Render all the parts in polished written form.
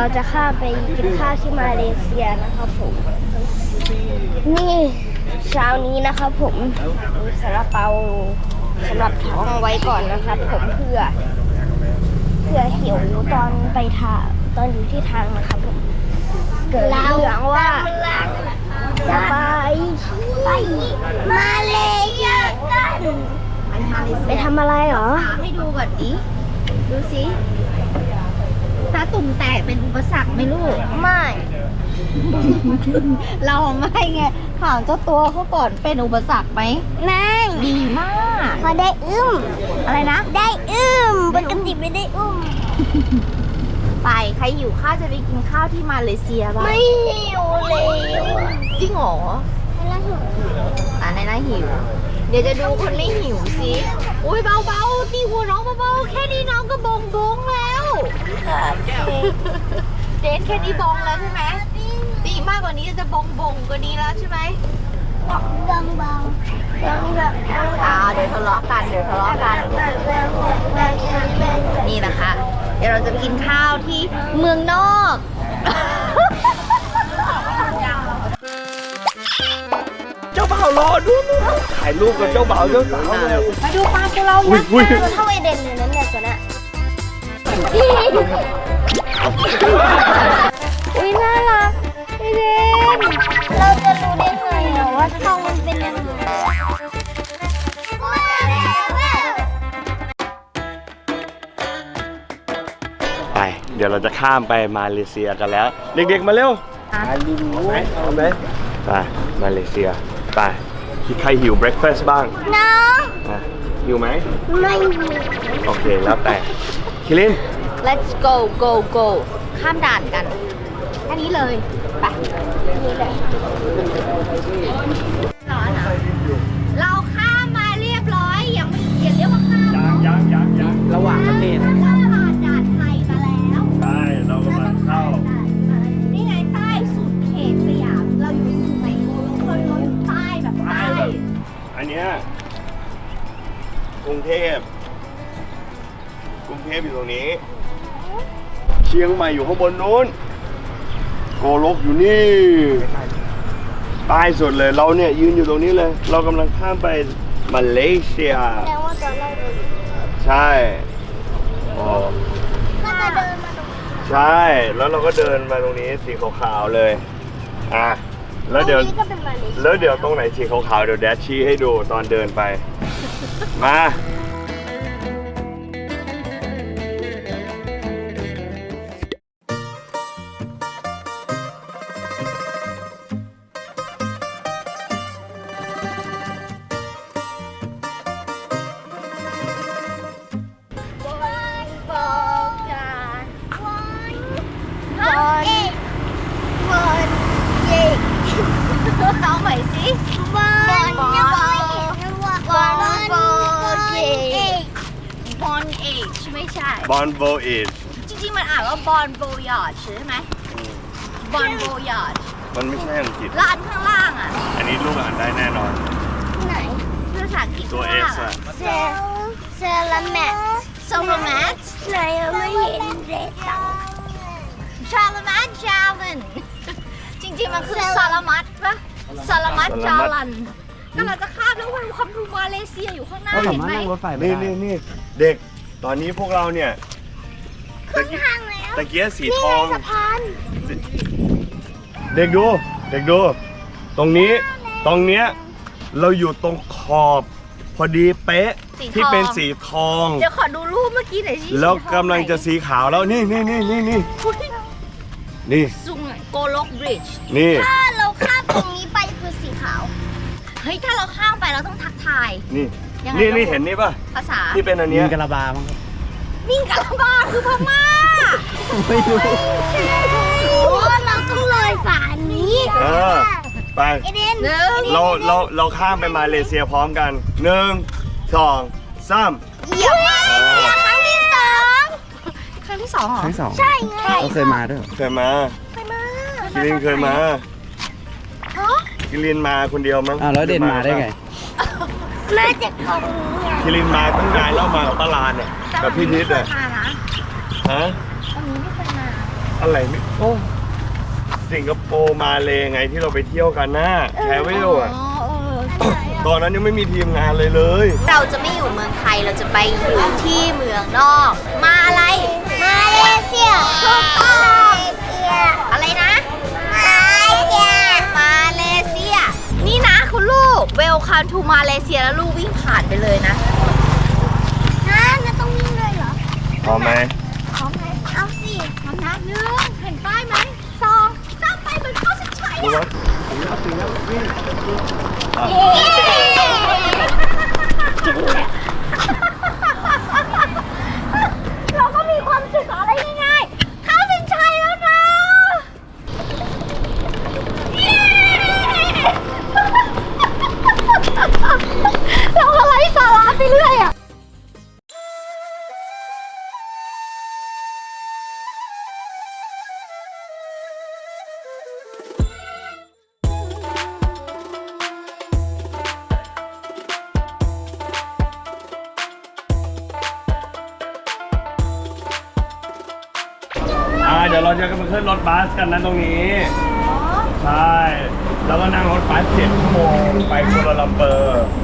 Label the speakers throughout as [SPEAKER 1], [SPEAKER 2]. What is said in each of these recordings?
[SPEAKER 1] จะข้ามไปกินข้าวที่มาเลเซียนะครับผมนี่เช้านี้นะครับผมมีซาลาเปาสำหรับท้องไว้ก่อนนะครับผมเพื่อหิวตอนไปทางตอนอยู่ที่ทางนะครับผมเกิดเรื่องว่าจะไปมาเลเซียกันไปทำอะไรเหรอ
[SPEAKER 2] ให้ดูก่อนดิดูสิตาตุ่มแตกเป็นอุปสรรคไหมลูก
[SPEAKER 1] ไม่
[SPEAKER 2] เราไม่ไงถามเจ้าตัวเขาก่อนเป็นอุปสรรคไหม
[SPEAKER 1] ไม่
[SPEAKER 2] ดีมาก
[SPEAKER 1] พอได้
[SPEAKER 2] อะไรนะ
[SPEAKER 1] ได้ปกติไม่ได้
[SPEAKER 2] ไปใครหิวข้าวจะไปกินข้าวที่มาเลเซียบ้าง
[SPEAKER 1] ไม่หิวเลย
[SPEAKER 2] จริงเหรอในน่าหิวเดี๋ยวจะดูคนไม่หิวสิอุ้ยเบาๆตีหัวน้องเบาๆแค่นี้น้องก็บงแล้วเดนแค่นี้บงแล้วใช่ไหมตีมากกว่านี้จะบงกว่านี้แล้วใช่ไหม
[SPEAKER 1] ดังเบาเ
[SPEAKER 2] ดี๋ยวทะเลาะกันนี่แหละค่ะเดี๋ยวเราจะไปกินข้าวที่เมืองนอก
[SPEAKER 3] เจ้าบ่าวรอดูถ่ายรูปกับเจ้าบ่าวเจ้าสาวเลย
[SPEAKER 2] มาดูปลาตัวเรายักษ์
[SPEAKER 1] เท่าไอเดนเลยนั่นแหละตัวน่ะอุ้ยน่ารักไอเดนเราจะรู้ได้ไงว่าท้องมันเป็นยังไง
[SPEAKER 3] ไปเดี๋ยวเราจะข้ามไปมาเลเซียกันแล้วเด็กๆมาเร็วเอาไหมไปมาเลเซียไปใครหิวเบรคฟาสต์บ้าง
[SPEAKER 1] น้อง
[SPEAKER 3] หิวไหม
[SPEAKER 1] ไม่หิว
[SPEAKER 3] โอเคแล้วแต่คิริน
[SPEAKER 2] let's go ข้ามด่านกันแค่นี้เลยไปนี่เลยร้อนเหรอเราข้ามมาเรียบร้อยยังไม่เรียกว่าข้าม
[SPEAKER 3] ยังระหว่างประเทศ
[SPEAKER 2] เราผ่านด่านไทยมาแล้ว
[SPEAKER 3] ใช่เรากำลังเข้า
[SPEAKER 2] นี่ไงใต้สุดเขตสยามเราอยู่สุไหงโกลกเราอยู่ใต้แบบใต้
[SPEAKER 3] อันเนี้ยกรุงเทพอยู่ตรงนี้เชียงใหม่อยู่ข้างบนนู้นโกลกอยู่นี่ใต้สุดเลยเราเนี่ยยืนอยู่ตรงนี้เลยเรากำลังข้ามไปมาเลเซีย
[SPEAKER 1] แปลว่าตอนแรกเรา
[SPEAKER 3] ใช่
[SPEAKER 1] ก็จะเดินมาตรง
[SPEAKER 3] ใช่แล้วเราก็เดินมาตรงนี้สีขาวๆเลยแล้วเดี๋ยวตรงไหนสีขาวๆเดี๋ยวแดชชี้ให้ดูตอนเดินไปมา
[SPEAKER 2] เอาใหม่สิบอลเอชไม่ใช่
[SPEAKER 3] บอลโบเอช
[SPEAKER 2] จริงๆมันอ่านว่าบอลโบยอร์ดใช่ไหมบอลโบยอร์ด
[SPEAKER 3] มันไม่ใช่อังกฤษ
[SPEAKER 2] ร้านข้างล่าง
[SPEAKER 3] อันนี้ลูกอ่านได้แน่นอน
[SPEAKER 1] ไหน
[SPEAKER 2] ภาษาอังกฤษ
[SPEAKER 3] ตัว X
[SPEAKER 1] เซลาแมทไหนไม่เห็นเด็ก
[SPEAKER 2] ชาลามัดจาลันจริงๆมันคือซาลามัดปะซาลามัดจาลันก็เราจะข้ามแล้วความทูมาเลเซียอยู่ข้างหน้าเห็นไหม
[SPEAKER 3] นี่เด็กตอนนี้พวกเราเนี่ยตะเกียสีทองเด็กดูตรงเนี้ยเราอยู่ตรงขอบพอดีเป๊ะที่เป็นสีทอง
[SPEAKER 2] เดี๋ยวขอดูรูปเมื่อกี้หน่อยสิ
[SPEAKER 3] แล้วกำลังจะสีขาวแล้วนี่
[SPEAKER 2] ซุงโกลกบริดจ์
[SPEAKER 3] นี่
[SPEAKER 1] ถ้าเราข้ามตรงนี้ไปคือสีขาว
[SPEAKER 2] เฮ้ยถ้าเราข้ามไปเราต้องทักทาย
[SPEAKER 3] นี่เห็นนี่ป่ะ
[SPEAKER 2] ภาษา
[SPEAKER 3] ที่เป็นอันนี้
[SPEAKER 4] มิงกะลาบามั้ง
[SPEAKER 2] มิงกะลาบาคือพม่า
[SPEAKER 4] ไม่รู้
[SPEAKER 1] เราต้องเลยฝานี้
[SPEAKER 3] ไปเราข้ามไปมาเลเซียพร้อมกัน1 2 3
[SPEAKER 1] เหยียบครั้งที่สอง
[SPEAKER 2] เหรอ
[SPEAKER 1] ใช่ไง
[SPEAKER 4] เราเคยมาด้วย
[SPEAKER 3] เคยมาคิรินเคยมาคิรินมาคนเดียวมั้ง
[SPEAKER 4] แล้วเดนมาได้ไง
[SPEAKER 1] มาจากของ
[SPEAKER 3] คิรินมาตั้งนานแล้วมากับป้าลานเนี่ยกับพี่นิดเลย
[SPEAKER 2] ฮะ
[SPEAKER 3] ตรง
[SPEAKER 2] นี้ไม่เคยมา
[SPEAKER 3] อะไรไม่โอ้สิงคโปร์มาเลยไงที่เราไปเที่ยวกันนะแทเวลอ่ะตอนนั้นยังไม่มีทีมงานเลย
[SPEAKER 2] เราจะไม่อยู่เมืองไทยเราจะไปอยู่ที่เมืองนอก มาอะไร
[SPEAKER 1] มาเลเซีย
[SPEAKER 2] ถูกต้อง
[SPEAKER 1] มาเลเซีย
[SPEAKER 2] อะไรนะ
[SPEAKER 1] มาเลเซีย
[SPEAKER 2] มาเลเซีย นี่นะคุณลูก Welcome to มาเลเซียแล้วลูกวิ่งผ่านไปเลยนะ
[SPEAKER 1] ฮะจะต้องวิ่งเลยเหรอ
[SPEAKER 3] พร้อมไหม
[SPEAKER 2] พร้อมไหม
[SPEAKER 1] เอาสิ
[SPEAKER 2] พร้อมนะหนึ่งเห็นป้ายไหมสองสามไปเหมือนเข้าเส้นชัย
[SPEAKER 3] ดู
[SPEAKER 2] อะ
[SPEAKER 3] ว่าถึงแล้ววิ่ง
[SPEAKER 2] เราก็มีความสุขอะไรง่ายๆเข้าเส้นชัยแล้วนะเราก็ไร้สาระไปเรื่อยอ่ะ
[SPEAKER 3] เดี๋ยวเราจะมาขึ้นรถบัสกันนะตรงนี้ใช่แล้วก็นั่งรถบัส7 ชั่วโมงไปกัวลาลัมเปอร์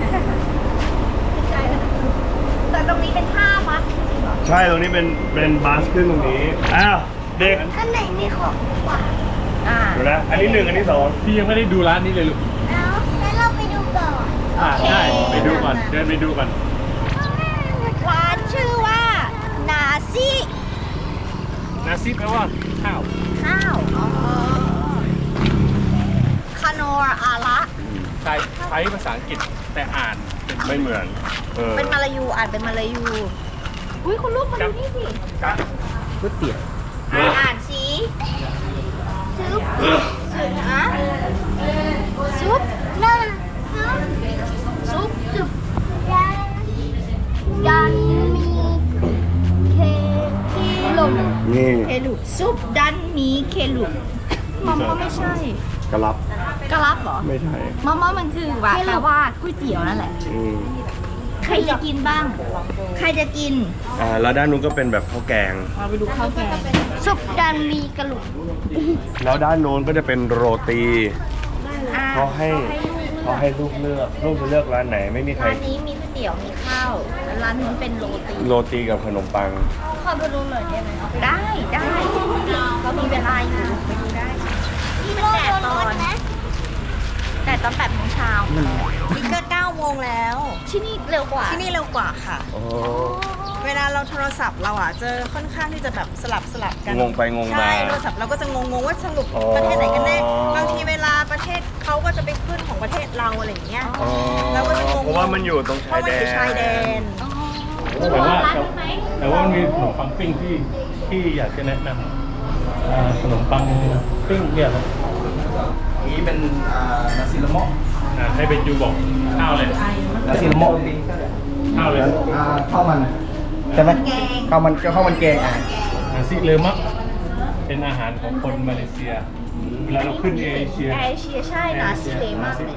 [SPEAKER 2] แต่ตรงนี้เป็นท่ามัด
[SPEAKER 3] ใช่ตรงนี้เป็นบัสขึ้นตรงนี้อ้าวเด็ก
[SPEAKER 1] ข้างในมีของกว่า
[SPEAKER 3] ดูนะอันนี้1อันนี้2
[SPEAKER 5] พี่ยังไม่ได้ดูร้านนี้เลยลูก
[SPEAKER 1] แล้วเราไปดูก่อน
[SPEAKER 5] ใช่ไปดูก่อน เดินไปดูก่อน
[SPEAKER 2] ร้านชื่อว่านาซิ
[SPEAKER 5] นาซิแปลว่าข้าว
[SPEAKER 2] ข้าวคาโนร์อาระ
[SPEAKER 5] ใช้ภาษาอังกฤษแต่อ่านเป็น
[SPEAKER 3] ไม่เหมือน
[SPEAKER 2] เป็นมาลายูอ่านเป็นมาลายู อุ้ยคุณลูกมาดูนี่สิ
[SPEAKER 5] ก๋วยเตี๋ยว
[SPEAKER 2] อ่านสิซุปซุปนะซุป
[SPEAKER 1] น่า
[SPEAKER 2] ซุป
[SPEAKER 1] สุดยันมีเคลม
[SPEAKER 3] นี่
[SPEAKER 2] เคลุกซุปดันมีเคลุกมอมไม่ใช่
[SPEAKER 3] กระลับ
[SPEAKER 2] กะลับเหรอ
[SPEAKER 3] ไม่ใช่
[SPEAKER 2] มอมมันคือว่าแปลว่าก๋วยเตี๋ยวนั่นแหละ ใครจะกินบ้าง ใครจะกิน
[SPEAKER 3] แล้วด้านนู้นก็เป็นแบบข้าวแกง
[SPEAKER 2] มาไปดูข้าวแกง
[SPEAKER 1] สุดดันมีกระหลุก
[SPEAKER 3] แล้วด้านโน้นก็จะเป็นโรตี
[SPEAKER 2] อ่า
[SPEAKER 3] เขาให้ลูกเลือกลูกจะเลือกร้านไหนไม่มีใคร
[SPEAKER 2] ร้านนี้มีก๋วยเตี๋ยวมีข้าวแล้วร้านนู้นเป็นโรตี
[SPEAKER 3] โรตีกับขนมปัง
[SPEAKER 1] ขอไปดูหน่อยได้ไหม
[SPEAKER 2] ได้เขามีเวลาอยู่ไปดูได้นี่มันแดดตอนแดดตอน8 โมงเช้า
[SPEAKER 6] นี่ก็9 โมงแล้ว
[SPEAKER 2] ที่นี่เร็วกว่า
[SPEAKER 6] ที่นี่เร็วกว่าค่ะ
[SPEAKER 3] โอ้
[SPEAKER 6] เวลาเราโทรศัพท์เราอ่ะจะค่อนข้างที่จะแบบสลับกัน
[SPEAKER 3] งงไปงงมา
[SPEAKER 6] ใช่โทรศัพท์เราก็จะงงว่าสรุป
[SPEAKER 3] อ๋อ
[SPEAKER 6] ประเทศไหนกันแน่ บางทีเวลาประเทศเขาก็จะไปขึ้นของประเทศเราอะไรอย่างเงี้ย
[SPEAKER 3] อ๋อ
[SPEAKER 6] เราก็จะงง
[SPEAKER 3] เพราะว่ามันอยู่ตรง
[SPEAKER 6] เพ
[SPEAKER 3] ชาย
[SPEAKER 6] ราะมัน
[SPEAKER 3] แด
[SPEAKER 6] อยู่ชายแด
[SPEAKER 3] น
[SPEAKER 6] น
[SPEAKER 5] แต่ว่ามันมีขนมปังปิ้งที่อยากจะแนะนำขนมปังปิ้งเนี่ยครับ
[SPEAKER 4] นี้เป็นนาซิลโมะ
[SPEAKER 5] ให้เป็นยูบอกข้าวเลย
[SPEAKER 4] นาซิลโมะ
[SPEAKER 5] ข้าวเลย
[SPEAKER 4] ข้าวมันใช่ไหมข้าวมันแกง
[SPEAKER 5] นาซิเลมะเป็นอาหารของคนมาเลเซีย เวลาเราขึ้นเอเชีย
[SPEAKER 2] เอเชียใช่นาซิเลมากเลย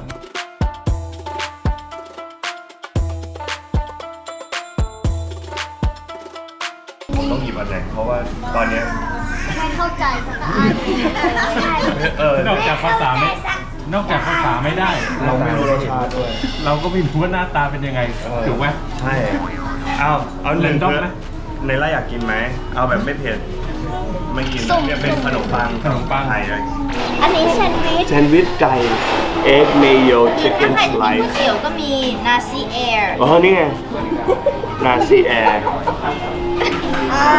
[SPEAKER 3] ต้องหยิบอันไหนเพราะว่าตอนเนี้ย
[SPEAKER 1] ไม่เข้าใจสักอัน
[SPEAKER 5] นอกจากภาษาไม่ได้
[SPEAKER 3] เราไม่รู้รสชาติด้วย
[SPEAKER 5] เราก็ไม่รู้ว่าหน้าตาเป็นยังไงถูกไหม
[SPEAKER 3] ใช่เอาหนึ่ง
[SPEAKER 5] เรนดอม
[SPEAKER 3] คือ
[SPEAKER 5] ไหม
[SPEAKER 3] ในไร่อยากกินไหมเอาแบบไม่เผ็ดไม่กินเนี่ยเป็นขนมปังไทยเลย
[SPEAKER 1] อันนี้แซนด์วิช
[SPEAKER 3] แซนด์วิชไก่เอ็กเมโยชิคเก้
[SPEAKER 2] ถ้าน ใคร
[SPEAKER 3] ส
[SPEAKER 2] จะ
[SPEAKER 3] ไล
[SPEAKER 2] กินก๋วย
[SPEAKER 3] ซ์
[SPEAKER 2] เตี๋ยวก็มีนาซีแอร์
[SPEAKER 3] อ๋อนี่ไงนาซีแอร์
[SPEAKER 2] ไอ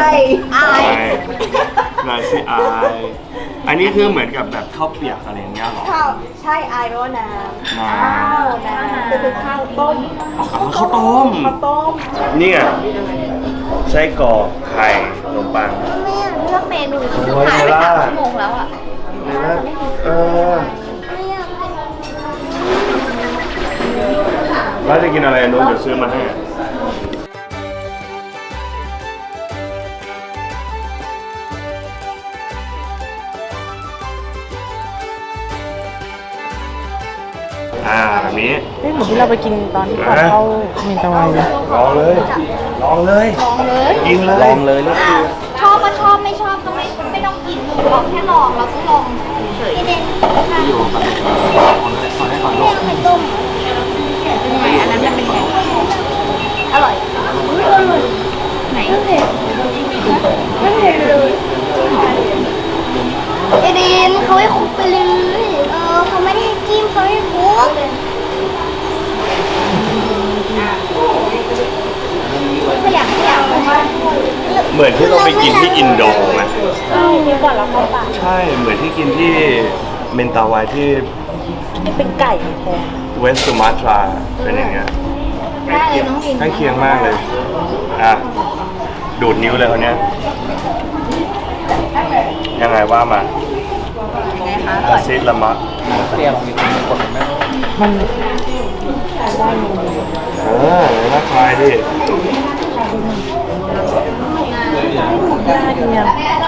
[SPEAKER 3] นาซีไออันนี้คือเหมือนกับแบบข้าวเปียกอะไรอย่างเงี้ยหรอ
[SPEAKER 6] ข้าวใช่ไอโรน้ำ
[SPEAKER 3] น้
[SPEAKER 6] คือข้าวต้ม
[SPEAKER 3] ำข้าวต้ม นี่ไงไส้กรอกไข่ขนมปัง
[SPEAKER 2] ไม่อยากเลือกเมนู
[SPEAKER 3] โอ้ย
[SPEAKER 2] ผ่านไป
[SPEAKER 3] เวลา
[SPEAKER 2] 3 ชั่วโมงแล้วอ่ะ
[SPEAKER 3] แล้วจะกินอะไรนู้นเดี๋ยวซื้อมาให้แบบนี้
[SPEAKER 7] เหมือนที่เราไปกินตอนที่ก่อนเข้าเมนตะวันเลย
[SPEAKER 3] ลองเลยกินเลย
[SPEAKER 4] ลองเลยแล้ว
[SPEAKER 2] ชอบก็ชอบไม่ชอบก็ไม่ต้องกินเลยเราแค่ลองเราต้องลองเฉย
[SPEAKER 4] อยู่กับขอให้ก่อนลูก
[SPEAKER 1] ไข่ต้ม
[SPEAKER 2] เป็นยังไงอันนั้นมันเป็นยังไง
[SPEAKER 1] อร่อย
[SPEAKER 2] ไหน
[SPEAKER 1] ไม่เผ็ดไม่เผ็ดเลยเอเดนเขาให้คลุกไปเลยเขาไม่ได้ให้จิ้มเขาให้คลุก
[SPEAKER 2] ขยับเลย
[SPEAKER 3] เหมือนที่เราไปกินที่อินโดไหม
[SPEAKER 7] มีก่อนแล้วเข้าปาก
[SPEAKER 3] ใช่เหมือนที่กินที่เมนตาวายที่
[SPEAKER 7] เป็นไก่แทน
[SPEAKER 3] เวสต์สุมาตราเป็นอย่างเงี้ย
[SPEAKER 2] ได้เลยน้องวิน
[SPEAKER 3] ใกล้เคียงมากเลยอ่ะดูดนิ้วเลยคนเนี้ยยังไงว่ามา
[SPEAKER 2] ยังไงคะ
[SPEAKER 3] อาซิดละมะ
[SPEAKER 4] เปรี้ยวมีคนไหม
[SPEAKER 7] มัน
[SPEAKER 3] น่าทายดิ
[SPEAKER 7] น่ากินยัง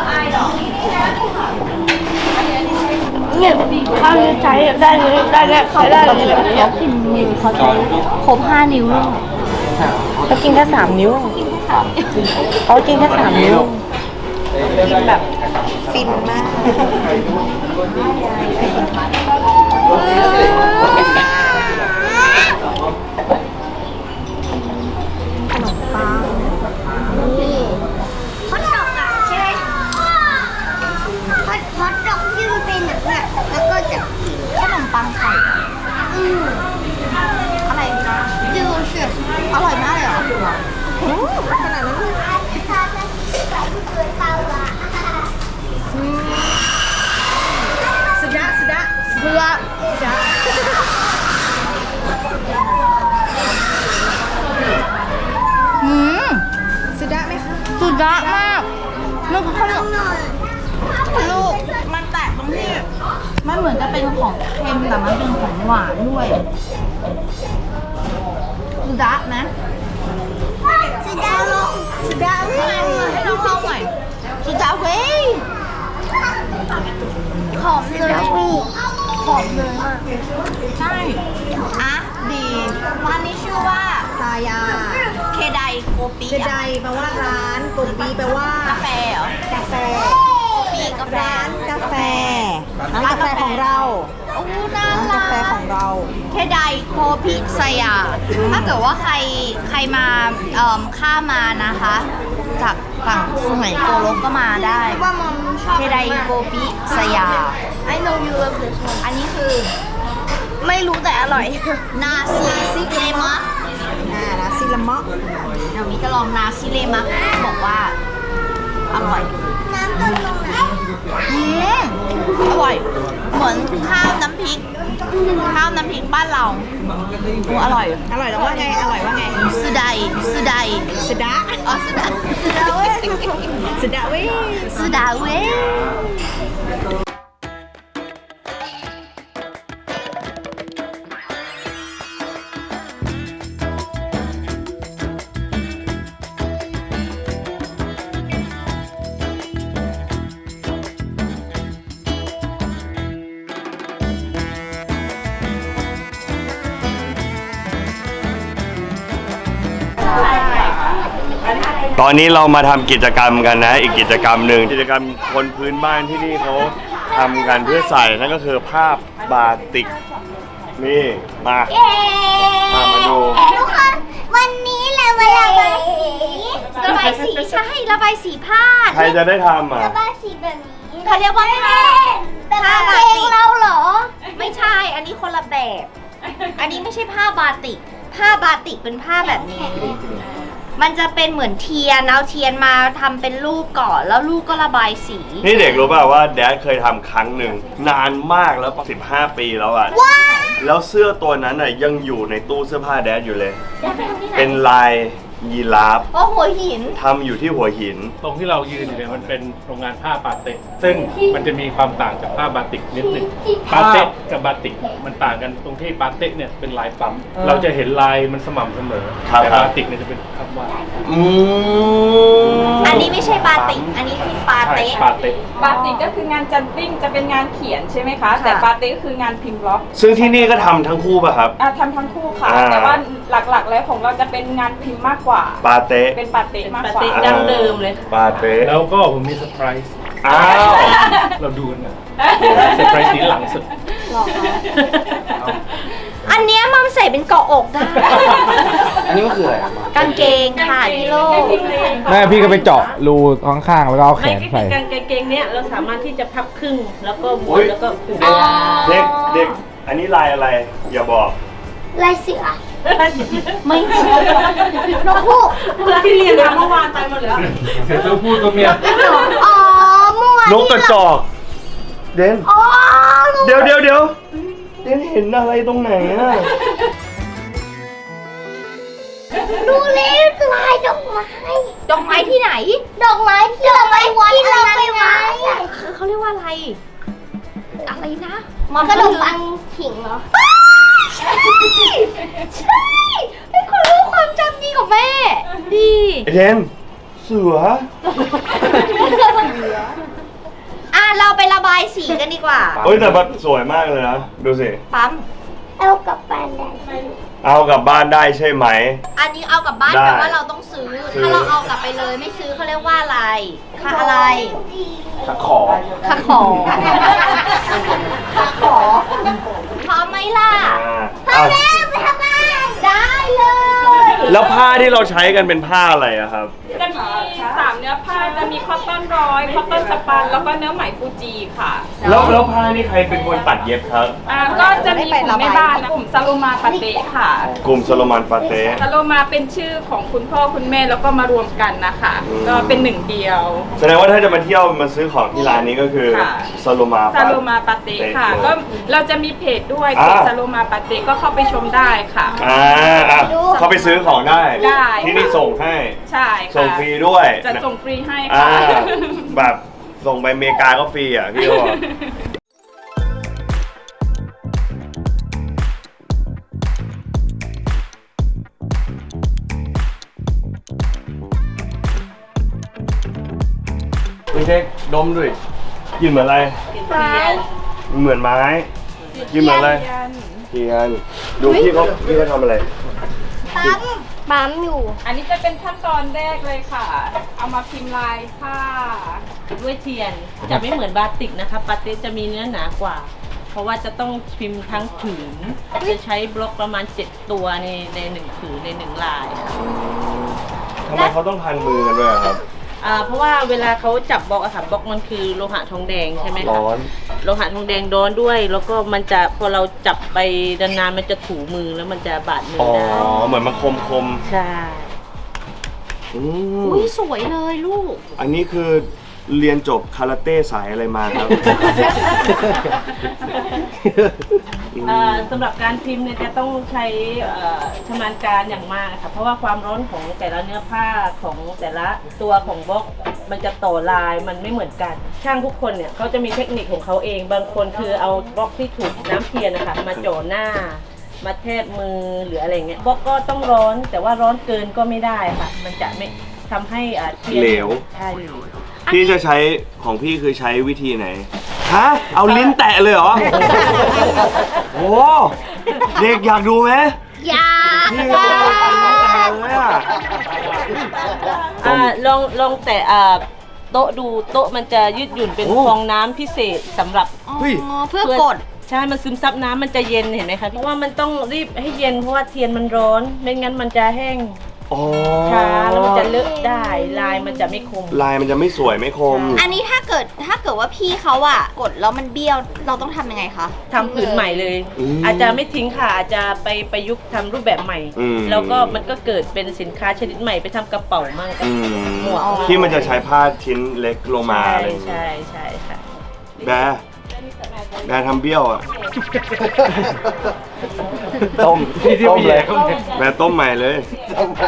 [SPEAKER 1] เนี่ยข้าวใช้ได้เลยได้แล้วใช้ได้เลยแบบนี้
[SPEAKER 2] เขาพิมพ์มือเขาใช้ครบ5 นิ้วเลย
[SPEAKER 7] เขากินแค่3 นิ้วเขากินแค่3 นิ้วกินแบบฟินมาก
[SPEAKER 1] นี่ฮอตดอกอ่ะใช่ไหมฮอตดอกที่มันเป็นแบบนี้แล้วก็จะกิน
[SPEAKER 2] ขนมปังไข่ อะไรนะ
[SPEAKER 1] 就是
[SPEAKER 2] อร่อยมากเลยเหรอ
[SPEAKER 1] ขนาดนั้น
[SPEAKER 6] สุดะ
[SPEAKER 2] เพื่อ
[SPEAKER 6] สุดะไหมคะ
[SPEAKER 2] สุดยอดมากมันคือขนม
[SPEAKER 6] ลูกมันแตกตรงที่
[SPEAKER 2] มันเหมือนจะเป็นของเค็มแต่มันเป็นของหวานด้วยสุดาไหม
[SPEAKER 1] สุดาลงสุดาเว้ย
[SPEAKER 2] ให้น้องลองหน่อยสุดาเว้ย
[SPEAKER 1] หอมเลยหอมเลยมาก
[SPEAKER 2] ใช่อ่ะดีร้านนี้ชื่อว่า
[SPEAKER 6] ซายา
[SPEAKER 2] เคไดโกปิ
[SPEAKER 6] เจไดแปลว่าร้านกุมปีแปลว่าก
[SPEAKER 2] าแฟเหรอก
[SPEAKER 6] าแฟ
[SPEAKER 2] ปีกาแฟ
[SPEAKER 6] ร้านกาแฟร้านกาแฟของเรา
[SPEAKER 2] โอ้น่า
[SPEAKER 6] ร้าน
[SPEAKER 2] รั
[SPEAKER 6] กาแฟข
[SPEAKER 2] ก
[SPEAKER 6] องเรา
[SPEAKER 2] เคไดโคพิสยา ถ้าเกิดว่าใครมาข้ามมานะคะ จากฝั่งสุไหงโกลกก็มาได้
[SPEAKER 1] ว่ามอมชอบ
[SPEAKER 2] เคไดโกปิสยา
[SPEAKER 1] I know you love this one
[SPEAKER 2] อันนี้คือ
[SPEAKER 1] ไม่รู้แต่อร่อย
[SPEAKER 2] นาซิเลมะ
[SPEAKER 6] ร้านซิลามะ
[SPEAKER 2] เดี๋ยววิจะลองนาซิเลมะบอกว่า อร่อย
[SPEAKER 1] น้ำเติมลงไหน
[SPEAKER 2] อร่อย เหมือนข้าวน้ำพริกบ้านเราโอ้อร่อย
[SPEAKER 6] อร่อยแล้วว่าไง อร่อยว่าไง
[SPEAKER 2] สุดาย
[SPEAKER 6] สุดะ
[SPEAKER 2] อ๋อสุดา
[SPEAKER 6] สุดะเว้ย
[SPEAKER 2] สุดาเว้ย
[SPEAKER 3] ตอนนี้เรามาทำกิจกรรมกันนะ อีกกิจกรรมหนึ่งกิจกรรมคนพื้นบ้านที่นี่เขาทำกันเพื่อใส่นั่นก็คือภาพบาติกนี่มามาดู
[SPEAKER 1] ทุกคนวันนี้เรามาระบายสี
[SPEAKER 2] ระบายสีใช่ระบายสีผ้า
[SPEAKER 3] ใครจะได้ทำอ่ะ
[SPEAKER 1] ระบายสีแบบนี้
[SPEAKER 2] เขาเรียกว่าผ้า
[SPEAKER 1] แต่
[SPEAKER 2] ผ้า
[SPEAKER 1] เพ
[SPEAKER 2] บา
[SPEAKER 1] ล
[SPEAKER 2] ติ
[SPEAKER 1] ง
[SPEAKER 2] ก
[SPEAKER 1] เราเหรอ
[SPEAKER 2] ไม่ใช่ อันนี้คนละแบบ อันนี้ไม่ใช่ผ้าบาติก ผ้าบาติกเป็นผ้าแบบนี้ มันจะเป็นเหมือนเทียน เอาเทียนมาทำเป็นรูปก่อน แล้วรูปก็ระบายสี
[SPEAKER 3] นี่เด็กรู้ป่าวว่าแดดเคยทำครั้งหนึ่งนานมากแล้ว15 ปีแล้วอ่ะแล้วเสื้อตัวนั้นอ่ะยังอยู่ในตู้เสื้อผ้าแดดอยู่เลย เป็นลายยีราฟ
[SPEAKER 2] เพราะหัวหิน
[SPEAKER 3] ทำอยู่ที่หัวหิน
[SPEAKER 5] ตรงที่เรายืนอยู่เนี่ยมันเป็นโรงงานผ้าปาเต็กซึ่งมันจะมีความต่างจากผ้าบาติกนิดหนึ่งปาเต็กกับบาติกมันต่างกันตรงที่ปาเต็กเนี่ยเป็นลายปั๊มเราจะเห็นลายมันสม่ำเสมอ
[SPEAKER 3] ครับ
[SPEAKER 5] แต่บาติกเนี่ยจะเป็นคำว่าด
[SPEAKER 2] อันนี้ไม่ใช่บาติก อันนี้คือปา
[SPEAKER 5] ใช่
[SPEAKER 2] เต๊ะ
[SPEAKER 5] ปาเต็ก
[SPEAKER 8] บาติกก็คืองานจันติ้งจะเป็นงานเขียนใช่ไหมคะ แต่บาติกก็คืองานพิมพ์บล็อก
[SPEAKER 3] ซึ่งที่นี่ก็ทำทั้งคู่ป่ะครับ
[SPEAKER 8] ทำทั้งคู่ค่ะ
[SPEAKER 3] อ่า
[SPEAKER 8] แต่ว่าหลักๆ แล้วของเราจะเป็นงานพิมพ์มากกว่า
[SPEAKER 3] ปาเต้
[SPEAKER 8] เป็นบาติกมากกว่า
[SPEAKER 6] ดั้งเดิมเลย
[SPEAKER 3] ปาเต้
[SPEAKER 5] แล้วก็ผมมีเซอร์ไพรส์
[SPEAKER 3] อ้าว
[SPEAKER 5] เราดูกันนะเซอร์ไพรส์นี้หลังสุด
[SPEAKER 2] อันเนี้ยมัมใส่เป็นเกาะอกได้
[SPEAKER 4] อันนี้มันคืออะไรอะ
[SPEAKER 2] กางเกงค่ะพี่โลก
[SPEAKER 4] แม่พี่ก็ไปเจาะรูข้างๆแล้วก็เอาแข
[SPEAKER 7] ไม่
[SPEAKER 4] น
[SPEAKER 7] ก็
[SPEAKER 4] ใส่
[SPEAKER 7] คือกางเกงเนี้ยเราสามารถที่จะพับครึ่งแล้วก็ม้ว
[SPEAKER 3] อุ๊
[SPEAKER 7] น
[SPEAKER 3] ย
[SPEAKER 7] แล้วก็ผูก
[SPEAKER 3] เด็กเด็กอันนี้ลายอะไร อย่าบอก
[SPEAKER 1] ลายเสือไม่ใช่นกฮูก
[SPEAKER 7] ที่เรียนมาเมื่อวานตายหมดแล้ว
[SPEAKER 5] เสือตัวผู้ตัวเมีย
[SPEAKER 1] อ๋อเมื่อวาน
[SPEAKER 3] นกกระจอก เดน
[SPEAKER 1] อ๋อ
[SPEAKER 3] เดี๋ยวเดนเห็นอะไรตรงไหนอะ
[SPEAKER 1] ดูเลยลายดอกไม้
[SPEAKER 2] ดอกไม้ที่ไหน
[SPEAKER 1] ดอกไม้ที่เราไปวัดที่เราไปไว้อะ
[SPEAKER 2] เขาเรียกว่าอะไร อะไรนะ
[SPEAKER 1] ขนมปังขิงเหรอ
[SPEAKER 2] ใช่ใช่ไอ้คนรู้ความจำดีของแม่ ดี
[SPEAKER 3] เดนเสือ
[SPEAKER 2] อ่ะเราไประบายสีกันดีกว่า
[SPEAKER 3] เฮ้ยแต่แบบสวยมากเลยนะ ดูสิ
[SPEAKER 2] ปั๊ม
[SPEAKER 1] เอากลับบ้านได้
[SPEAKER 3] เอากลับบ้านได้ใช่ไหม
[SPEAKER 2] อันนี้เอากลับบ้าน
[SPEAKER 3] ได้
[SPEAKER 2] แต่ว่าเราต้องซื้อ ถ้าเราเอากลับไปเลยไม่ซื้อเขาเรียกว่าอะไรค่าอะไร
[SPEAKER 4] ขอ
[SPEAKER 2] ค่าขอค่าขอพร้อมไหมล่ะ
[SPEAKER 3] อ่า
[SPEAKER 1] ไปทำงาน
[SPEAKER 2] ได้เลย
[SPEAKER 3] แล้วผ้าที่เราใช้กันเป็นผ้าอะไรอะครับ
[SPEAKER 8] จะมี3เนื้อผ้าจะมีคอตตอนร้อยคอตตอนสปันแล้วก็เนื้อไหมฟูจิค่ะ
[SPEAKER 3] แล้วผ้านี่ใครเป็นคนตัดเย็บครับ
[SPEAKER 8] ก็จะมีกลุ่มแม่บ้านนะกลุ่มซาโลมาปาเตะค่ะ
[SPEAKER 3] กลุ่มโซโลมานปาเต้
[SPEAKER 8] ซาโลมาเป็นชื่อของคุณพ่อคุณแม่แล้วก็มารวมกันนะคะ ก็เป็นหนึ่งเดียว
[SPEAKER 3] แสดงว่าถ้าจะมาเที่ยวมาซื้อของที่ร้านนี้ก็คือ
[SPEAKER 8] ค่ะ
[SPEAKER 3] ซาโลมา
[SPEAKER 8] ซาโลมาปาเตะค่ะ
[SPEAKER 3] เลย
[SPEAKER 8] ก็เราจะมีเพจด้วยเพจซาโลมาปาเตะก็เข้าไปชมได้ค่ะ
[SPEAKER 3] อ่ะเข้าไปซื้อของได้
[SPEAKER 8] ได้
[SPEAKER 3] ที่นี่ส่งให้
[SPEAKER 8] ใช่ค่ะ
[SPEAKER 3] ส่งฟรีด้วย
[SPEAKER 8] จะส่งฟรีให้
[SPEAKER 3] อ่า
[SPEAKER 8] ค่ะ
[SPEAKER 3] แบบส่งไปอเมริกาก็ฟรีอ่ะพี่ก็บอกไม่ใช่ดมด้วยกินเหมือนอะไร เหมือนไม้กินเหมือนอะไรเทียนดูพี่เขาทำอะไร
[SPEAKER 1] ปั๊มอยู่
[SPEAKER 8] อันนี้จะเป็นขั้นตอนแรกเลยค่ะ เอามาพิมพ์ลายผ้า
[SPEAKER 7] ด้วยเทียนจะไม่เหมือนบาติกนะคะบาติกจะมีเนื้อหนากว่า เพราะว่าจะต้องพิมพ์ทั้งผืนจะใช้บล็อกประมาณ 7 ตัวในหนึ่งผืนในหนึ่งลายค่ะ
[SPEAKER 3] ทำไมเขาต้องพันมือกันด้วยอะครับ
[SPEAKER 7] เพราะว่าเวลาเขาจับบล็อกอะค่ะบล็อกมันคือโลหะทองแดงใช่ไหมคะ
[SPEAKER 3] ร้อน
[SPEAKER 7] โลหะทองแดงร้อนด้วย แล้วก็มันจะพอเราจับไปนานๆมันจะถูมือแล้วมันจะบาดมือ
[SPEAKER 3] อ๋อ
[SPEAKER 7] ได้
[SPEAKER 3] เหมือนมันคม
[SPEAKER 7] ใช่
[SPEAKER 3] ๆอืม
[SPEAKER 2] อุ้ยสวยเลยลูก
[SPEAKER 3] อันนี้คือเรียนจบคาราเต้สายอะไรมาครับ
[SPEAKER 7] สำหรับการพิมพ์เนี่ยจะต้องใช้ชำนาญการอย่างมากค่ะเพราะว่าความร้อนของแต่ละเนื้อผ้าของแต่ละตัวของบล็อกมันจะต่อลายมันไม่เหมือนกัน ช่างทุกคนเนี่ยเขาจะมีเทคนิคของเขาเองบางคนคือเอาบล็อกที่ถูกน้ำเทียนนะคะมาจ่อหน้า มาแทบมือหรืออะไรเงี้ยบล็อกก็ต้องร้อนแต่ว่าร้อนเกินก็ไม่ได้ค่ะ มันจะไม่ทำให้เทียน
[SPEAKER 3] เหลว
[SPEAKER 7] ใช่
[SPEAKER 3] พี่จะใช้ของพี่คือใช้วิธีไหน ฮะ เอาลิ้นแตะเลยเหรอ โอ้เด็กอยากดูไหม
[SPEAKER 1] อยาก
[SPEAKER 3] พี่ก็เอาลิ้นแตะเลยอะ
[SPEAKER 7] ลองแต่โต๊ะดูโต๊ะมันจะยืดหยุ่นเป็นฟองน้ำพิเศษสำหรับ
[SPEAKER 3] เฮ้ย
[SPEAKER 2] เพื่อกด
[SPEAKER 7] ใช่มันซึมซับน้ำมันจะเย็นเห็นไหมคะเพราะว่ามันต้องรีบให้เย็นเพราะว่าเทียนมันร้อนไม่งั้นมันจะแห้ง
[SPEAKER 3] อ๋อ
[SPEAKER 7] ช้าแล้วมันจะเลอะได้ลายมันจะไม่คม
[SPEAKER 3] ลายมันจะไม่สวยไม่คม
[SPEAKER 2] อันนี้ถ้าเกิดว่าพี่เขาอะกดแล้วมันเบี้ยวเราต้องทำยังไงคะ
[SPEAKER 7] ทำผืนใหม่เลย
[SPEAKER 3] อืม
[SPEAKER 7] อาจจะไม่ทิ้งค่ะอาจจะไปประยุกต์ทำรูปแบบใหม่
[SPEAKER 3] อืม
[SPEAKER 7] แล้วก็มันก็เกิดเป็นสินค้าชนิดใหม่ไปทำกระเป๋ามั่ง
[SPEAKER 3] อืม
[SPEAKER 7] หมวก
[SPEAKER 3] ที่มันจะใช้ผ้าชิ้นเล็กลงมา
[SPEAKER 7] ใช่
[SPEAKER 3] อะไรอย่างเงี้ย
[SPEAKER 7] ใช่ใช่ค่ะ
[SPEAKER 3] แบร์ทำเบี้ยวอ่ะ
[SPEAKER 4] ต้ม
[SPEAKER 5] ที่
[SPEAKER 4] ต้ม
[SPEAKER 5] พี่
[SPEAKER 4] เลย
[SPEAKER 5] เขาเนี่ย
[SPEAKER 3] แบร์ต้มใหม่เลย
[SPEAKER 4] ต้มไป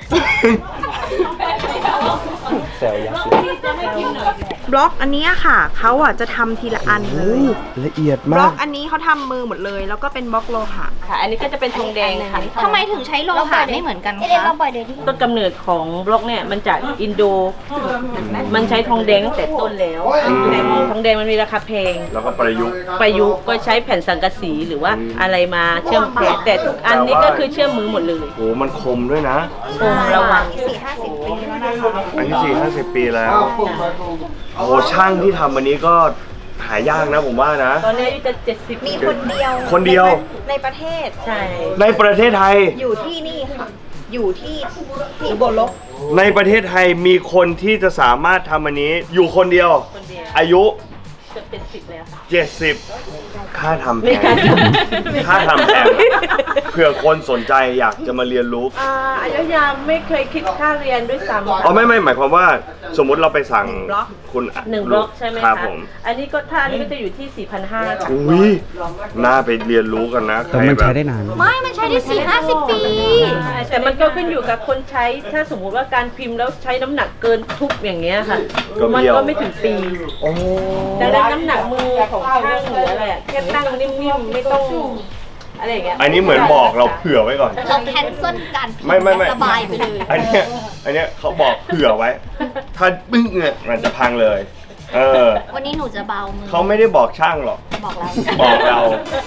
[SPEAKER 4] แซวยักษ์
[SPEAKER 6] บล็อกอันเนี้ยค่ะเขาอ่ะจะทำทีละอันเลย
[SPEAKER 3] ละเอียด
[SPEAKER 6] บล็
[SPEAKER 3] มา
[SPEAKER 6] อก กอันนี้เขาทำมือหมดเลย แล้วก็เป็นบล็อกโลหะ
[SPEAKER 7] ค่ะ อันนี้ก็จะเป็นทองแดงค่ะ
[SPEAKER 2] ทำไมถึงใช่โลหะไม่เหมือนกัน
[SPEAKER 1] เดี๋ยว
[SPEAKER 2] คะ
[SPEAKER 1] เราปล่อยเดี๋ยวที่
[SPEAKER 7] ต้นกำเนิดของบล็อกเนี่ยมันจากอินโด มันใช้ทองแดงตั้งแต่ต้นแล้วแต่ทองแดงมันมีราคาแพง
[SPEAKER 3] แล้วก็ประยุกต์
[SPEAKER 7] ประยุกต์ก็ใช้แผ่นสังกะสีหรือว่าอะไรมาเชื่อมแพงแต่ทุกอันนี้ก็คือเชื่อมมือหมดเลย
[SPEAKER 3] โหมันคมด้วยนะ
[SPEAKER 7] คมระวัง
[SPEAKER 6] 4-50 ปีแล้วนะคะ
[SPEAKER 3] อันที่4-50 ปีแล้วโอ้ช่างที่ทำอันนี้ก็หายากนะผมว่านะ
[SPEAKER 7] ตอนนี้อายุจะ70
[SPEAKER 6] มีคนเดียว
[SPEAKER 3] คนเดียว
[SPEAKER 6] ในประเทศ
[SPEAKER 7] ใช่
[SPEAKER 3] ในประเทศไทย
[SPEAKER 6] อยู่ที่นี่ค่ะ อยู่ที่อุบลลก
[SPEAKER 3] ในประเทศไทยมีคนที่จะสามารถทำอันนี้อยู่คนเดียว
[SPEAKER 7] คนเดียว
[SPEAKER 3] อายุ
[SPEAKER 7] จะ70แล้วค่ะ
[SPEAKER 3] 70 ค่าทำแพ
[SPEAKER 7] ไม่
[SPEAKER 3] ง
[SPEAKER 7] กล้าท
[SPEAKER 3] ค่าทำแพงเผื่อคนสนใจอยากจะมาเรียนรู้
[SPEAKER 7] อายุยามไม่เคยคิดค่าเรียนด้วยซ้ำ
[SPEAKER 3] อ๋อไม่หมายความว่าสมมุติเราไปสั่งคุณ
[SPEAKER 7] 1 บล็อกใช่ไหม
[SPEAKER 3] ครั
[SPEAKER 7] คะ
[SPEAKER 3] บผม
[SPEAKER 7] อันนี้ก็ถ้าอันนี้ก็จะอยู่ที่ 4,500 ค่ะ
[SPEAKER 3] อุ้ยน่าไปเรียนรู้กันนะใค
[SPEAKER 4] แต่
[SPEAKER 3] ร
[SPEAKER 4] มัน
[SPEAKER 3] แบ
[SPEAKER 4] ใช้
[SPEAKER 3] บ
[SPEAKER 4] ได้นาน
[SPEAKER 2] ไม่มันใช้ได้50 ปี
[SPEAKER 7] แต่มันก็ขึ้นอยู่กับคนใช้ ถ้าสมมุติว่าการพิมพ์แล้วใช้น้ำหนักเกินทุบอย่างเงี้ยค่ะ มันก็ไม่ถึงปี
[SPEAKER 3] โอ้
[SPEAKER 7] ดังนั้นน้ำหนักมือของช่างหรืออะไรอะแค่ตั้งนิ่มๆไม่ต้องอะไรอย่างเงี้ย
[SPEAKER 3] อันนี้เหมือนบอกเราเผื่อไว้ก่อน
[SPEAKER 2] เราแคนเซิลการพิมพ์
[SPEAKER 3] ไม่
[SPEAKER 2] สบายไปเลย
[SPEAKER 3] อันเนี้ยเขาบอกเผื่อไว้ ถ้าบึ้งเนี่ยมันจะพังเลย
[SPEAKER 2] วันนี้หนูจะเบามือ
[SPEAKER 3] เขาไม่ได้บอกช่างหรอก
[SPEAKER 2] บอกเรา
[SPEAKER 3] บอกเรา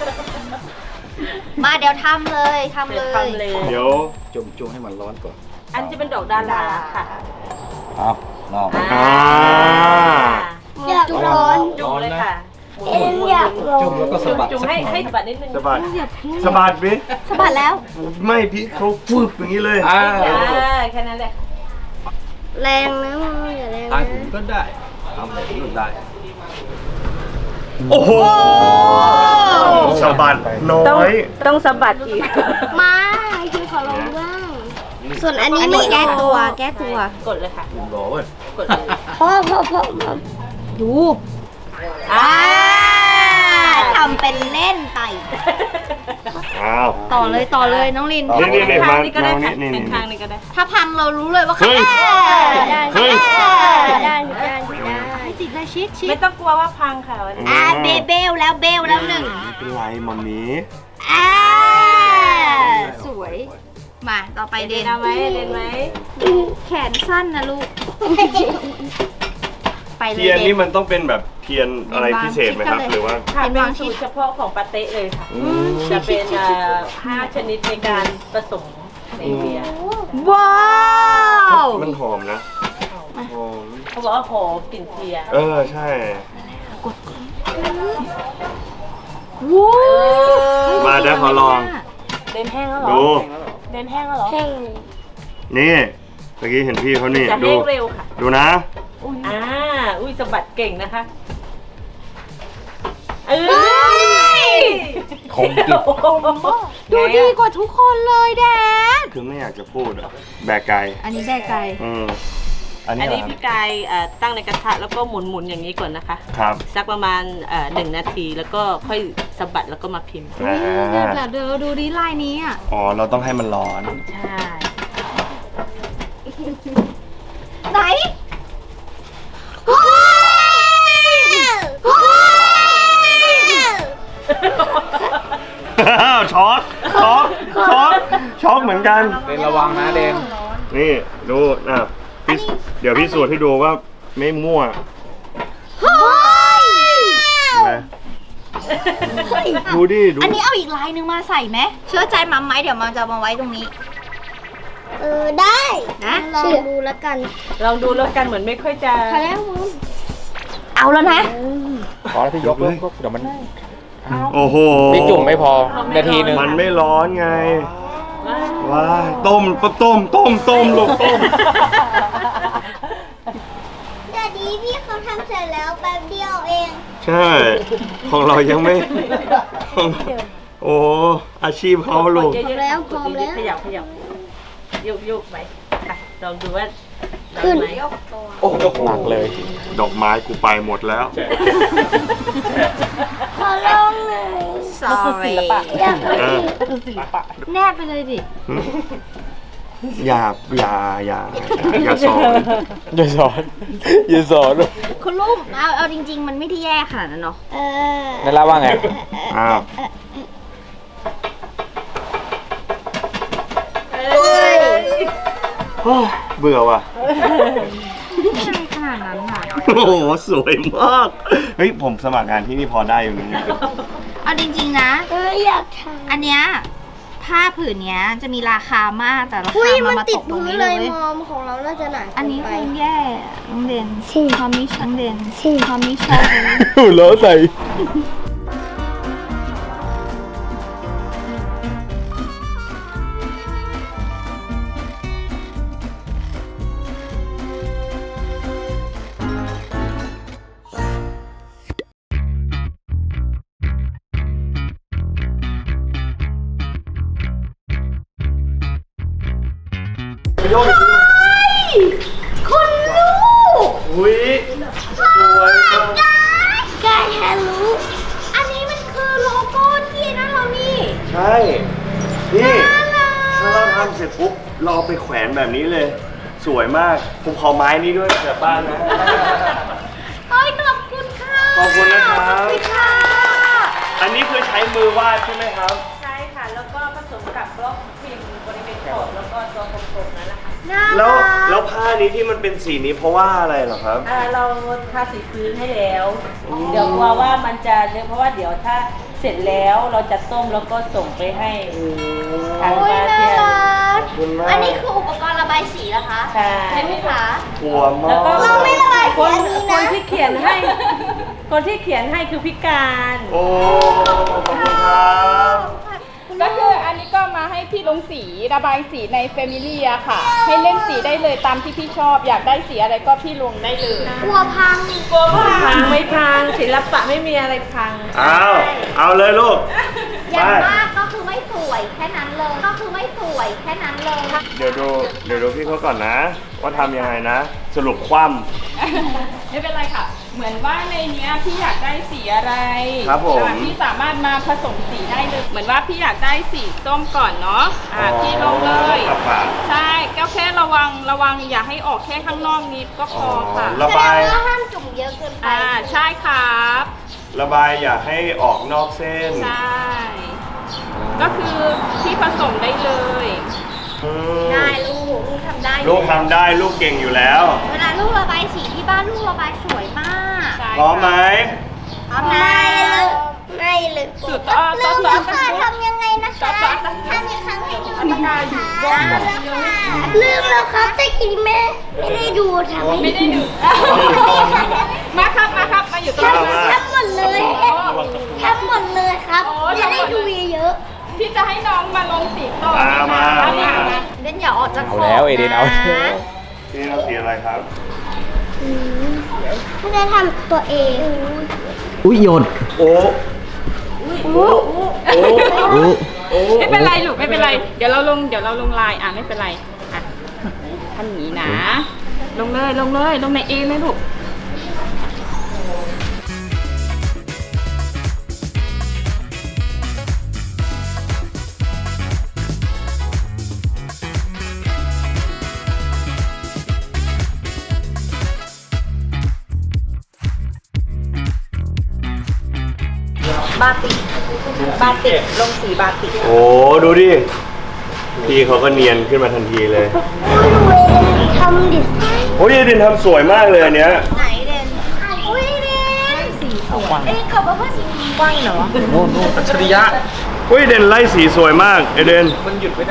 [SPEAKER 2] มาเดี๋ยวทำเลยทำเลย
[SPEAKER 7] ทำเลย
[SPEAKER 3] เดี๋ยว
[SPEAKER 4] จุ่มให้มันร้อนก่อน
[SPEAKER 7] อันจะเป็นดอกดาราค่ะ
[SPEAKER 4] ครับลอง
[SPEAKER 3] อ่า
[SPEAKER 1] อยากร้อน
[SPEAKER 7] จุ่มเลยค่ะ
[SPEAKER 1] เอ็นอยากร้อน
[SPEAKER 4] จุ่มแล้วก็สะบัด
[SPEAKER 7] จุ่มให้สะบัดนิดนึง
[SPEAKER 3] สะบัดสะบัดพี่
[SPEAKER 2] สะบัดแล้ว
[SPEAKER 3] ไม่พี่เขาฟึบอย่างนี้เลย
[SPEAKER 7] แค่นั้นแหละ
[SPEAKER 1] แรงนะมึงอย่าแรง
[SPEAKER 4] ทาง
[SPEAKER 1] นะ
[SPEAKER 4] อื่นก็ได้ทำแบบนี้ก็ได้
[SPEAKER 3] โอ้โหสะบัดน้
[SPEAKER 7] ต้อง
[SPEAKER 3] อย
[SPEAKER 7] ต้องสะบัดอีก
[SPEAKER 1] มาคือขอลองบ้าง ส่วนอันนี้
[SPEAKER 2] อัน
[SPEAKER 1] ไม่
[SPEAKER 2] นี้แก้ตัวแก้ตัว
[SPEAKER 7] กดเลยค่ะ
[SPEAKER 4] ร้อน
[SPEAKER 7] กดเลย
[SPEAKER 1] พ่อ
[SPEAKER 2] ดู
[SPEAKER 7] อ่า
[SPEAKER 2] ทำเป็นเล่นไป
[SPEAKER 3] อ้าว
[SPEAKER 2] ต่อเลยน้องลิน
[SPEAKER 3] นี่
[SPEAKER 7] ข้างนี้ก็ได้
[SPEAKER 3] มา
[SPEAKER 7] ค่ะ
[SPEAKER 3] นี่
[SPEAKER 7] ข้างนี้ก็ได้
[SPEAKER 2] ถ้าพังเรารู้เลยว่า
[SPEAKER 3] เฮ้ย
[SPEAKER 1] ได้
[SPEAKER 3] เฮ้ย
[SPEAKER 1] ได้
[SPEAKER 2] ติดเลยชิด
[SPEAKER 7] ไม่ต้องกลัวว่าพังค่ะวันนี้
[SPEAKER 2] เบลแล้วหนึ่ง
[SPEAKER 3] ไม่เป็นไรมัมมี่
[SPEAKER 2] สวย มาต่อไปเด
[SPEAKER 7] เด่น
[SPEAKER 2] น
[SPEAKER 7] เอาไหมเด่นไหม
[SPEAKER 2] แขนสั้นนะลูก ไปเลย
[SPEAKER 3] เทียน
[SPEAKER 2] เด
[SPEAKER 3] นี่
[SPEAKER 2] น
[SPEAKER 3] มันต้องเป็นแบบเทียนอะไรพิเศษไหมครับ หรือว่า
[SPEAKER 7] ค่ะ
[SPEAKER 2] เป็น
[SPEAKER 7] เป็น
[SPEAKER 2] วางชิ
[SPEAKER 7] สู
[SPEAKER 2] ด
[SPEAKER 7] ตรเฉพาะของปาเต้เลยค่ะ
[SPEAKER 3] อืม
[SPEAKER 7] จะเป็น5 ชนิดในการผสมในเบียร์
[SPEAKER 2] ว้าว
[SPEAKER 3] มันหอมนะหอม
[SPEAKER 7] เขาบอกว่าหอมกลิ่นเทียร์
[SPEAKER 3] ใช่
[SPEAKER 2] วู้
[SPEAKER 3] มาเดี๋ยวขอลอง
[SPEAKER 7] เด่นแห้งแล้วเหรอ
[SPEAKER 3] ดู
[SPEAKER 7] เด่นแห้งแล้วเหรอ
[SPEAKER 1] แห้ง
[SPEAKER 3] นี่เมื่อกี้เห็นพี่เขานี่
[SPEAKER 7] จะ
[SPEAKER 3] ดู
[SPEAKER 7] แห้งเร็วค่ะ
[SPEAKER 3] ดูนะ
[SPEAKER 7] อุ้ยสะบัดเก่งนะคะเอ้
[SPEAKER 2] เฮ้
[SPEAKER 7] ย
[SPEAKER 2] ย
[SPEAKER 4] คงกิบ
[SPEAKER 2] ดูดีกว่าทุกคนเลยแดด
[SPEAKER 3] คือไม่อยากจะพูดอะแบกไก่
[SPEAKER 2] อันนี้แบกไก่
[SPEAKER 3] อัน
[SPEAKER 7] อั
[SPEAKER 3] นี้
[SPEAKER 7] น
[SPEAKER 3] เหร
[SPEAKER 7] นี้
[SPEAKER 3] อ
[SPEAKER 7] พี่กายตั้งในกระทะแล้วก็หมุนอย่างนี้ก่อนนะคะ
[SPEAKER 3] ครับ
[SPEAKER 7] สักประมาณ1 นาทีแล้วก็ค่อยสะบัดแล้วก็มาพิมพ์
[SPEAKER 3] อ่า
[SPEAKER 2] เดี๋ยวดูดิลายนี้อ่ะ
[SPEAKER 3] อ๋อเราต้องให้มันร้อน
[SPEAKER 7] ใช่
[SPEAKER 2] ไหน
[SPEAKER 3] ช็อกเหมือนกัน
[SPEAKER 4] เดนระวังนะเดน
[SPEAKER 3] นี่ดูเดี๋ยวพี่สูตรให้ดูว่าไม่มั่วเห็นไหมดูดิดู
[SPEAKER 2] อันนี้เอาอีกลายหนึ่งมาใส่ไหมเชื่อใจมัมไหมเดี๋ยวมันจะมาไว้ตรงนี้
[SPEAKER 1] ได้
[SPEAKER 2] นะ
[SPEAKER 1] ลองดูแล้วกัน
[SPEAKER 7] ลองดูแล้วกันเหมือนไม่ค่อยจะ
[SPEAKER 1] พอแล้วมึง
[SPEAKER 2] เอาแล้วนะ
[SPEAKER 4] ขอที่ยกเลยเดี๋ยวมัน
[SPEAKER 3] โอ้โห
[SPEAKER 4] พี่จุ่มไม่พอนาทีนึง
[SPEAKER 3] มันไม่ร้อนไงว้ายต้มลูกต้ม
[SPEAKER 1] เดี๋ยวดีพี่เขาทำเสร็จแล้วแป๊บเดียวเอง
[SPEAKER 3] ใช่ ของเรายังไม่โอ้อาชีพเขาลูก
[SPEAKER 7] เยอะๆ
[SPEAKER 1] แล้วพร้อมแล้ว
[SPEAKER 7] ขยับโยกไปค่ะลองดูว่า
[SPEAKER 1] ขึ้น
[SPEAKER 7] ได้ไหม
[SPEAKER 4] โอ้หนักเลย
[SPEAKER 3] ดอกไม้กูไปหมดแล้ว
[SPEAKER 1] ขอลองเลย
[SPEAKER 7] มันคือศิลปะ
[SPEAKER 1] อยาก
[SPEAKER 3] เออ
[SPEAKER 7] คือศิลปะ
[SPEAKER 2] แนบไปเลยดิ
[SPEAKER 3] อย่าสอน
[SPEAKER 4] อย่าสอนอย่าสอน
[SPEAKER 2] คุณลุงเอาจริง ๆ มันไม่ได้แย่ขนาดนั้นเนาะ
[SPEAKER 4] นั่นละว่าไง
[SPEAKER 3] อ้าว เบื่อว่ะ
[SPEAKER 2] ไม่ใช่ขนาดนั้นค่ะ
[SPEAKER 3] โอ้โห สวยมาก เฮ้ย ผมสมัครงานที่นี่พอได้อยู่นะ
[SPEAKER 2] เอาจริง ๆ นะ
[SPEAKER 1] อยากท
[SPEAKER 2] อันเนี้ยผผ้าผืนเนี้ยจะมีราคามากแต่รา
[SPEAKER 1] อุ้
[SPEAKER 2] คาย มา
[SPEAKER 1] มัน
[SPEAKER 2] มา
[SPEAKER 1] ติ
[SPEAKER 2] ต
[SPEAKER 1] ด
[SPEAKER 2] กตรง
[SPEAKER 1] พื้น
[SPEAKER 2] นี้
[SPEAKER 1] เล
[SPEAKER 2] เลย ย
[SPEAKER 1] มอมของเราน่าจะหนา
[SPEAKER 2] อันนี้
[SPEAKER 1] ไป
[SPEAKER 2] คงแย่น้องเดนความมิชน้องเดนความมิชชอบ
[SPEAKER 3] แล้วใส่
[SPEAKER 1] คุณลูก
[SPEAKER 3] อุ้ยสวยมาก
[SPEAKER 1] กายแฮลูอันนี้มันคือโลโก้ที่นั่นเรานี่
[SPEAKER 3] ใช่ นี่ถ้าเราทำเสร็จปุ๊บเราเอาไปแขวนแบบนี้เลย สวยมาก ผมขอไม้นี้ด้วยจากบ้านนะ
[SPEAKER 2] เฮ้ยขอบคุณค่ะ
[SPEAKER 3] ขอบคุณนะครับ
[SPEAKER 2] ขอบคุณค่ะ
[SPEAKER 3] อันนี้คือใช้มือวาดใช่ไหมครับ
[SPEAKER 7] ใช่ค่ะ แล้วก็ผสมกับบล็อกพิมพ์บริเวณขอบแล้วก็ตัวกลมๆนั่นแหละค่ะ
[SPEAKER 3] แล้วผ้านี้ที่มันเป็นสีนี้เพราะว่าอะไรเหรอครับ
[SPEAKER 7] เราทาสีพื้นให้แล้ว เดี๋ยวกลัวว่ามันจะเลอะเพราะว่าเดี๋ยวถ้าเสร็จแล้วเราจะส้มแล้วก็ส่งไปให้ทาง
[SPEAKER 1] โอ้ย
[SPEAKER 7] มา
[SPEAKER 1] น่า
[SPEAKER 7] เทียน
[SPEAKER 1] รัก
[SPEAKER 3] ขอบคุณมาก
[SPEAKER 2] อันนี้คืออุปกรณ์ระบายสีนะคะ
[SPEAKER 7] ใช่
[SPEAKER 2] ใช่ไหมคะ
[SPEAKER 3] กลัวมา
[SPEAKER 7] แล้วก็
[SPEAKER 3] ก
[SPEAKER 1] เราไม่ระบายสี
[SPEAKER 7] คน
[SPEAKER 1] อันนี้
[SPEAKER 7] ค
[SPEAKER 1] นะ
[SPEAKER 7] นที่เขียนให้ คนที่เขียนให้คือพิการ
[SPEAKER 3] โอ้ ขอบคุณครับ
[SPEAKER 8] ก็คืออันนี้ก็มาให้พี่ลงสีระบายสีใน Family อะค่ะ ให้เล่นสีได้เลยตามที่พี่ชอบ อยากได้สีอะไรก็พี่ลงได้เลย
[SPEAKER 1] กลัวพัง
[SPEAKER 7] พังไม่พังศิลปะไม่มีอะไรพัง
[SPEAKER 3] เอาเลยลูก
[SPEAKER 2] อย่างมากก็คือไม่สวยแค่นั้นเลย ก็คือไม่สวยแค่นั้นเลย
[SPEAKER 3] เดี๋ยวดูพี่เขาก่อนนะ ว่าทำยังไงนะ สรุปคว่
[SPEAKER 8] ไม่เป็นไรค่ะ เหมือนว่าในเนี้ยพี่อยากได้สีอะไร
[SPEAKER 3] ครับผม
[SPEAKER 8] พี่สามารถมาผสมสีได้เลย เหมือนว่าพี่อยากได้สีส้มก่อนเนาะ พี่ลงเลย
[SPEAKER 3] กลับปาก
[SPEAKER 8] ใช่ก็แค่ระวังอย่าให้ออกแค่ข้างนอกนิดก็พอค่ะ
[SPEAKER 3] ระ
[SPEAKER 1] แสด
[SPEAKER 3] บาย
[SPEAKER 1] งว่าห้ามจุ่มเยอะเกินไป
[SPEAKER 8] ใช่ครับ
[SPEAKER 3] ระบายอย่าให้ออกนอกเส้น
[SPEAKER 8] ใช่ ก็คือพี่ผสมได้เลย
[SPEAKER 3] อืม
[SPEAKER 2] ได้ลูกทำได้
[SPEAKER 3] ลูกทำได้ลูกเก่งอยู่แล้ว
[SPEAKER 2] เวลาลูกระบายสีที่บ้านลูกระบายสวยมาก
[SPEAKER 8] ใช่
[SPEAKER 3] พร้อมไหม
[SPEAKER 2] ทำ
[SPEAKER 1] ไม่
[SPEAKER 2] ได้
[SPEAKER 1] เลยไม่เลย
[SPEAKER 8] สุดอ้อ
[SPEAKER 1] ลื
[SPEAKER 8] ต้
[SPEAKER 1] ม
[SPEAKER 8] น
[SPEAKER 1] แล้วค่ะทำยังไงนะคะทำอีกครั้งให้ดูนะคะลืมแล้วครับแต่กี้แม่ไม่ได้ดูทำ
[SPEAKER 8] ไม่ได้ดูมาครับมาอยู่ตรงนี้
[SPEAKER 1] ทำหมดเลยทำหมดเลยครับจะได้ดูเยอะ
[SPEAKER 8] พี่จะให้น้องมาลงสีต่อ
[SPEAKER 3] มา
[SPEAKER 2] เดนอย่าออกจากขอบ
[SPEAKER 4] เอาแล้วเอเดนเอา
[SPEAKER 2] นะ
[SPEAKER 3] นี่เราสีอะไรครับ
[SPEAKER 1] ๆไม่ได้ทำตัวเอง
[SPEAKER 4] อุ้ยโยน
[SPEAKER 3] โอ้โอ้โอ้
[SPEAKER 4] อู้
[SPEAKER 3] โอ้
[SPEAKER 8] ไม่เป็นไรลูกไม่เป็นไร เดี๋ยวเราลงลายไม่เป็นไรทำอย่างนี้นะ ลงเลยลงในเอเลยลูก
[SPEAKER 2] บาติกลงสีบาติก
[SPEAKER 3] โอ้ดูดิ พี่เขาก็เนียนขึ้นมาทันทีเลย
[SPEAKER 1] ทำดิส
[SPEAKER 3] โอ้ยเดนทำสวยมากเลยอันเนี้ย
[SPEAKER 2] ไหนเดน
[SPEAKER 1] อุ้ยเดน
[SPEAKER 2] เอ้ยเขาบอกว่าสีกว้างเหรอ
[SPEAKER 4] โน่นอัจฉริยะ
[SPEAKER 3] เฮ้ยเดนไล่สีสวยมากเอเดน
[SPEAKER 4] มันหยุดไม่ได้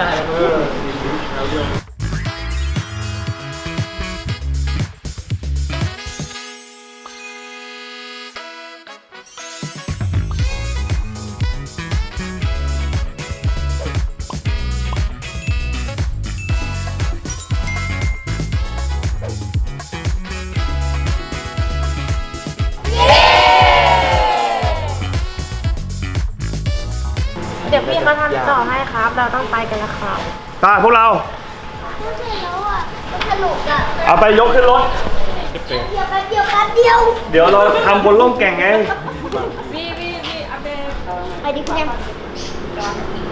[SPEAKER 2] เดี๋ยวพี่มาทำต่อให้ครับ เราต้องไปกันแล้วครับ
[SPEAKER 3] ตาพวกเรา
[SPEAKER 1] เสร็จแล้วอ่ะมันสนุกอ่ะ
[SPEAKER 3] เอาไปยกขึ้นรถ
[SPEAKER 1] เดี๋ยวแป๊บเดียว
[SPEAKER 3] เดี๋ยวเราทำบนร่องแก่งไง
[SPEAKER 8] วีอัปเดต
[SPEAKER 1] ไปดิคุณแอม